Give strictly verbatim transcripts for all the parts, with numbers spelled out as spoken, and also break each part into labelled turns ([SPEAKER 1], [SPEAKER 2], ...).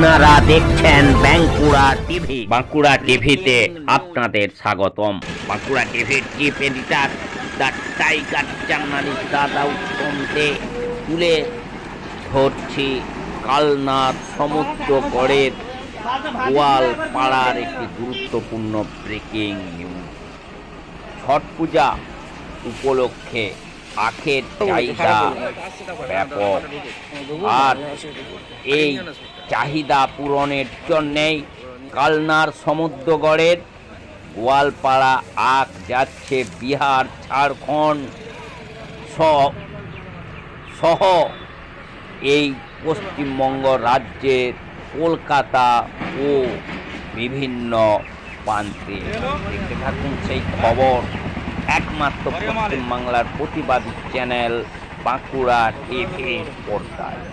[SPEAKER 1] আপনারা দেখছেন বাঁকুড়া টিভি। বাঁকুড়া টিভিতে আপনাদের স্বাগতম। বাঁকুড়া টিভির chief editor the tiger journalist দাদা উত্তম দে তুলে ধরছি কালনার সমুদ্রগড়ের গোয়ালপাড়ার একটি গুরুত্বপূর্ণ ব্রেকিং নিউজ। ছট পূজা উপলক্ষে আখের চাহিদা ব্যাপক, আর এই চাহিদা পূরণের জন্যেই কালনার সমুদ্রগড়ের গোয়ালপাড়া আখ যাচ্ছে বিহার, ঝাড়খণ্ড সহ এই পশ্চিমবঙ্গ রাজ্যের কলকাতা ও বিভিন্ন প্রান্তে। দেখতে থাকুন সেই খবর একমাত্র পশ্চিমবাংলার প্রতিবাদী চ্যানেল বাঁকুড়া টিভি পর্দায়।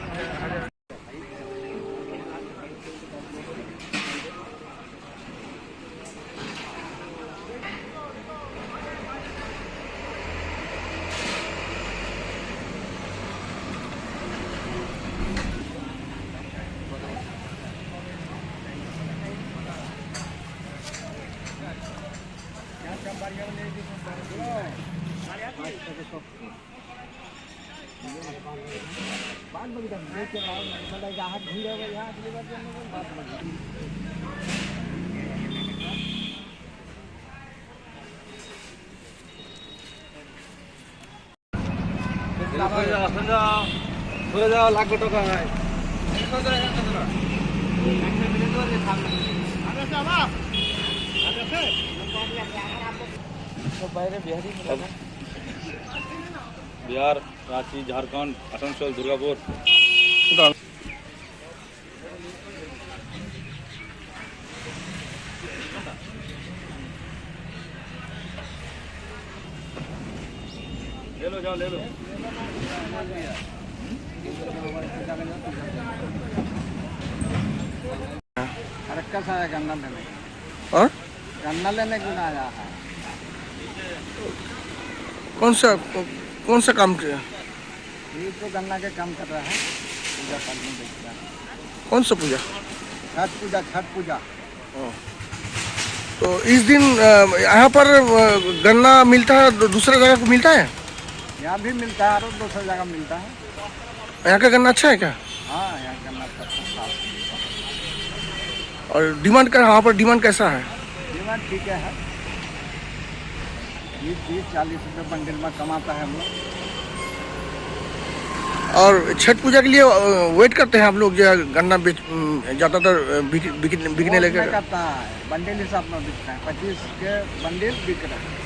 [SPEAKER 2] চলে যাওয়া লাগবে টাকা बिहार, रांची, झारखंड, आसनसोल, दुर्गापुर। ले लो जाओ ले लो।
[SPEAKER 3] रक्का सा गन्ना लेने
[SPEAKER 2] और
[SPEAKER 3] गन्ना लेने क्यों आया है?
[SPEAKER 2] कौन सा कौन सा काम किया?
[SPEAKER 3] ये तो गन्ना के काम कर रहा है, पूजा पाठ में देख रहा है।
[SPEAKER 2] कौन सा पूजा?
[SPEAKER 3] छठ पूजा, छठ पूजा।
[SPEAKER 2] तो इस दिन अ, यहाँ पर अ, गन्ना मिलता है, दूसरा जगह को मिलता है?
[SPEAKER 3] यहाँ भी मिलता है और दूसरी जगह मिलता है।
[SPEAKER 2] यहाँ का गन्ना अच्छा है क्या?
[SPEAKER 3] हाँ, यहाँ गन्ना सब साफ।
[SPEAKER 2] और डिमांड का यहाँ पर डिमांड कैसा है?
[SPEAKER 3] डिमांड ठीक है, बीस बीस चालीस रुपये बंडल में कमाता है हम लोग।
[SPEAKER 2] और छठ पूजा के लिए अ, वेट करते हैं आप लोग जो गन्ना बेच अम, ज़्यादातर बिक- बिक- बिकने
[SPEAKER 3] वो
[SPEAKER 2] लगे?
[SPEAKER 3] नहीं करता है, बंडल हिसाब में बिकता है, पच्चीस के बंडल बिक रहा है।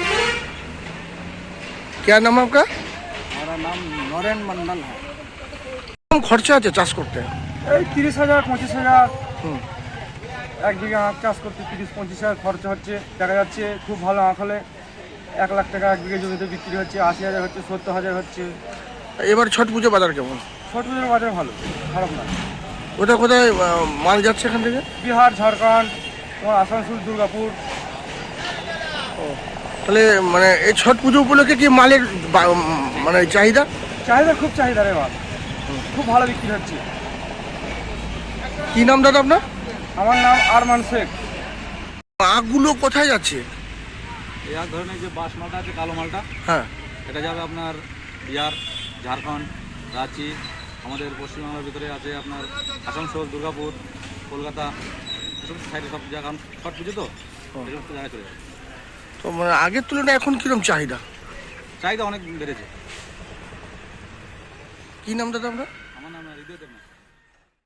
[SPEAKER 2] क्या नाम है आपका?
[SPEAKER 3] हमारा नाम नरेन मंडल है।
[SPEAKER 2] कम खर्चा আছে চাষ করতে?
[SPEAKER 4] এই তিরিশ হাজার পঁচিশ হাজার
[SPEAKER 2] হুম।
[SPEAKER 4] এক বিঘা আখ চাষ করতে তিরিশ পঁচিশ হাজার খরচা হচ্ছে। দেখা যাচ্ছে খুব ভালো আখ হলে এক লাখ টাকা এক বিঘা জমিতে বিক্রি হচ্ছে, আশি হাজার হচ্ছে, সত্তর হাজার হচ্ছে।
[SPEAKER 2] এবার ছট পুজো বাজার কেমন?
[SPEAKER 4] ছোট পুজোর বাজার ভালো, খারাপ না।
[SPEAKER 2] কোথায় কোথায় আহ, মাল যাচ্ছে এখান থেকে?
[SPEAKER 4] বিহার, ঝাড়খণ্ড, তোমার আসানসোল, দুর্গাপুর।
[SPEAKER 2] তাহলে মানে এই ছট পুজো উপলক্ষে কি মালের বা- উম, মানে চাহিদা?
[SPEAKER 4] চাহিদা খুব চাহিদা রে মাল, খুব ভালো বিক্রি হচ্ছে।
[SPEAKER 2] কি নাম দাদা আপনার?
[SPEAKER 4] আমার নাম আরমান শেখ।
[SPEAKER 2] আখগুলো কোথায় যাচ্ছে?
[SPEAKER 5] এই এক ধরনের যে বাস মালটা আছে, কালো মালটা,
[SPEAKER 2] হ্যাঁ,
[SPEAKER 5] এটা যাবে আপনার বিহার, ঝাড়খণ্ড, রাঁচি, আমাদের পশ্চিমবাংলার ভিতরে আছে আপনার আসানসোল, দুর্গাপুর, কলকাতা, এসব সাইডে সব জায়গা। কারণ ছট পুজো তো এই সমস্ত জায়গায় চলে যাবে।
[SPEAKER 2] তো মানে আগের তুলনায় এখন কিরকম চাহিদা?
[SPEAKER 5] চাহিদা অনেক বেড়েছে।
[SPEAKER 2] কি নাম দাদা আপনার?
[SPEAKER 5] আমার নাম হৃদয় দেবনাথ।